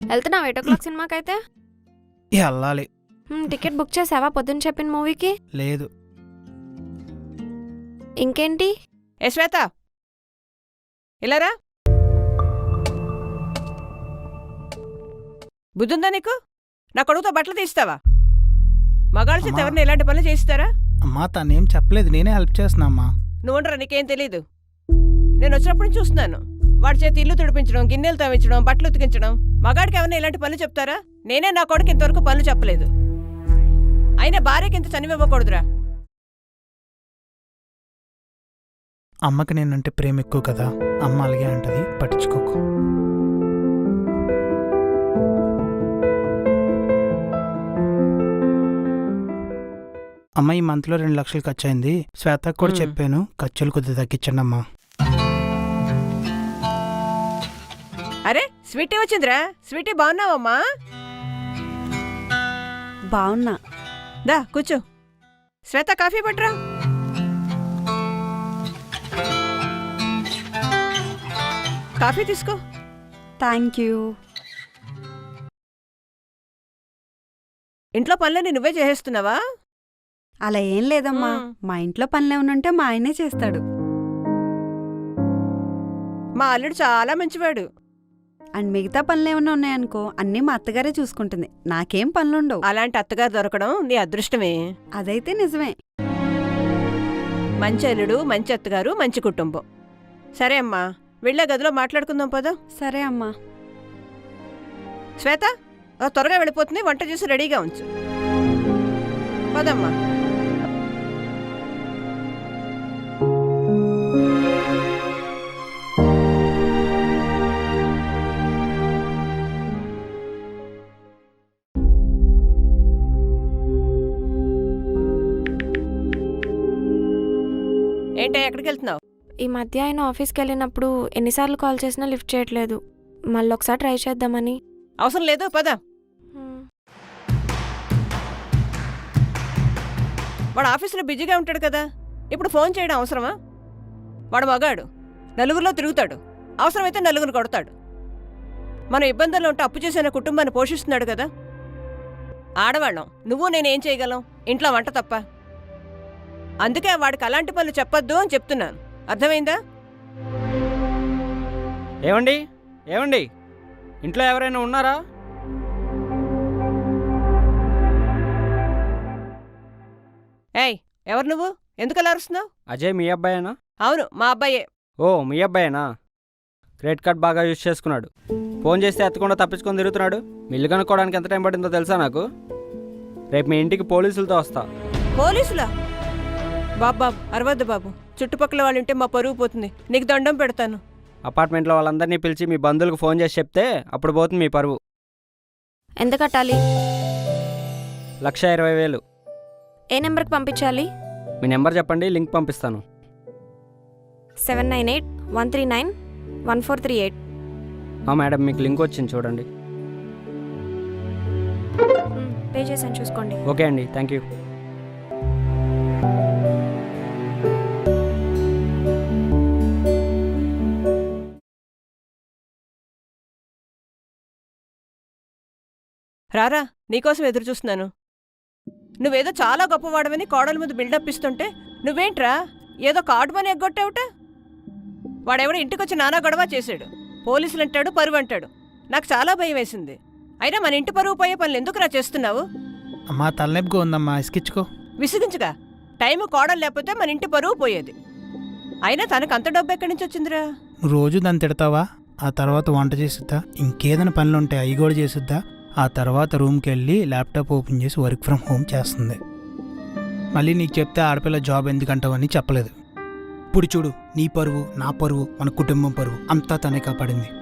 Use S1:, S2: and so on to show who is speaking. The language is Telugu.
S1: వెళ్తున్నావు 8 o'clock సినిమాకైతే?
S2: వెళ్ళాలి.
S1: టికెట్ బుక్ చేసావా పొద్దున్న చెప్పిన మూవీకి?
S2: లేదు.
S1: ఇంకేంటి?
S3: ఏ శ్వేత, ఇలారా. బుద్ధుందా నీకు? నా కొడుకుతో బట్టలు తీస్తావా? మగాళ్ళ చేత ఎవరిని ఇలాంటి పనులు చేయిస్తారా?
S2: అమ్మా తనేం చెప్పలేదు, నేనే హెల్ప్ చేస్తున్నా అమ్మా.
S3: నువ్వుండరా, నీకేం తెలీదు. నేను వచ్చినప్పుడు నుంచి చూస్తున్నాను. వాడి చేతి ఇల్లు తుడిపించడం, గిన్నెలు తవ్వించడం, బట్టలు ఉతికించడం. మగాడికి ఎవరైనా ఇలాంటి పనులు చెప్తారా? నేనే నా కొడుకు ఇంతవరకు పనులు చెప్పలేదు. అయినా భార్యకి ఇంత చనివ్వకూడదురా.
S2: అమ్మకి నేనంటే ప్రేమ ఎక్కువ కదా, అమ్మ అలాగే అంటది, పట్టించుకోకు. అమ్మ ఈ మంత్లో 2 లక్షలు ఖర్చు అయింది. శ్వేతకు కూడా చెప్పాను, ఖర్చులు కొద్దిగా తగ్గించండి అమ్మా.
S3: అరే స్వీటీ వచ్చిందిరా. స్వీటీ బాగున్నావమ్మా?
S4: బాగున్నా.
S3: దా కూర్చో. శ్వేత కాఫీ పట్రా. కాఫీ తీసుకో.
S4: Thank you.
S3: ఇంట్లో పనులన్నీ నువ్వే చేసేస్తున్నావా?
S4: అలా ఏం లేదమ్మా, మా ఇంట్లో పనులేమనుంటే మా ఆయనే చేస్తాడు.
S3: మా అల్లుడు చాలా మంచివాడు.
S4: అండ్ మిగతా పనులేమన్నా ఉన్నాయనుకో అన్నీ మా అత్తగారే చూసుకుంటుంది, నాకేం పనులుండవు.
S3: అలాంటి అత్తగారు దొరకడం నీ అదృష్టమే.
S4: అదైతే నిజమే.
S3: మంచి అల్లుడు, మంచి అత్తగారు, మంచి కుటుంబం. సరే అమ్మా, వెళ్ళే గదిలో మాట్లాడుకుందాం పద.
S4: సరే అమ్మా.
S3: శ్వేత త్వరగా వెళ్ళిపోతుంది, వంట చేసి రెడీగా ఉంచు. పదమ్మా. ఏంటో ఎక్కడికి వెళ్తున్నావు?
S1: ఈ మధ్య ఆయన ఆఫీస్కి వెళ్ళినప్పుడు ఎన్నిసార్లు కాల్ చేసినా లిఫ్ట్ చేయట్లేదు. మళ్ళీ ఒకసారి ట్రై చేద్దామని.
S3: అవసరం లేదు, పద. వాడు ఆఫీసులో బిజీగా ఉంటాడు కదా, ఇప్పుడు ఫోన్ చేయడం అవసరమా? వాడు మగాడు, నలుగురిలో తిరుగుతాడు, అవసరమైతే నలుగురు కొడతాడు. మనం ఇబ్బందుల్లో ఉంటే అప్పు చేసిన కుటుంబాన్ని పోషిస్తున్నాడు కదా. ఆడవాళ్ళం నువ్వు నేనేం చేయగలం ఇంట్లో వంట తప్ప. అందుకే వాడికి అలాంటి పనులు చెప్పొద్దు అని చెప్తున్నాను, అర్థమైందా?
S5: ఏమండి ఏమండి, ఇంట్లో ఎవరైనా ఉన్నారా?
S3: ఏయ్, ఎవరు నువ్వు? ఎందుకు అలా అరుస్తున్నావు?
S5: అజయ్ మీ అబ్బాయేనా?
S3: అవును, మా అబ్బాయే.
S5: ఓ మీ అబ్బాయేనా? క్రెడిట్ కార్డ్ బాగా యూజ్ చేసుకున్నాడు. ఫోన్ చేస్తే ఎత్తకుండా తప్పించుకొని తిరుగుతున్నాడు. మిల్లు కనుక్కోవడానికి ఎంత టైం పడిందో తెలుసా నాకు? రేపు మీ ఇంటికి పోలీసులతో వస్తా.
S3: పోలీసులా? బాబు అరవద్దు బాబు, చుట్టుపక్కల వాళ్ళు ఉంటే మా పరుగు పోతుంది. నీకు దండం పెడతాను.
S5: అపార్ట్మెంట్లో వాళ్ళందరినీ పిలిచి మీ బంధువులకు ఫోన్ చేసి చెప్తే అప్పుడు పోతుంది మీ పరువు.
S1: ఎంత కట్టాలి?
S5: 1,20,000.
S1: ఏ నెంబర్కి పంపించాలి?
S5: మీ నెంబర్ చెప్పండి, లింక్ పంపిస్తాను.
S1: 7981391438.
S5: మేడం మీకు లింక్ వచ్చింది చూడండి.
S1: పే చేసాను, చూసుకోండి.
S5: ఓకే అండి, థ్యాంక్ యూ.
S3: రారా, నీకోసం ఎదురు చూస్తున్నాను. నువ్వేదో చాలా గొప్పవాడమని కోడల మీద బిల్డప్ ఇస్తుంటే నువ్వేంట్రా ఏదో కార్డు మని ఎగ్గొట్టావుట. వాడెవడో ఇంటికొచ్చి నానా గొడవ చేశాడు. పోలీసులు అంటాడు, పరువు అంటాడు. నాకు చాలా భయం వేసింది. అయినా మన ఇంటి పరువు పోయే పనులు ఎందుకురా చేస్తున్నావు?
S2: అమ్మా తలనొప్పిగా ఉందమ్మా, ఇసుకిచ్చుకో.
S3: విసిగించుగా, టైము కోడలు లేకపోతే మన ఇంటి పరువు పోయేది. అయినా తనకు అంత డబ్బు ఎక్కడి నుంచి వచ్చిందిరా?
S2: నువ్వు రోజు దాన్ని తిడతావా? ఆ తర్వాత వంట చేసిద్దా, ఇంకేదైనా పనులు ఉంటాయి అవి కూడా చేసిద్దా. ఆ తర్వాత రూమ్కి వెళ్ళి ల్యాప్టాప్ ఓపెన్ చేసి వర్క్ ఫ్రమ్ హోమ్ చేస్తుంది. మళ్ళీ నీకు చెప్తే ఆడపిల్ల జాబ్ ఎందుకంటావని చెప్పలేదు. ఇప్పుడు చూడు, నీ పరువు, నా పరువు, మన కుటుంబం పరువు అంతా తనే కాపాడింది.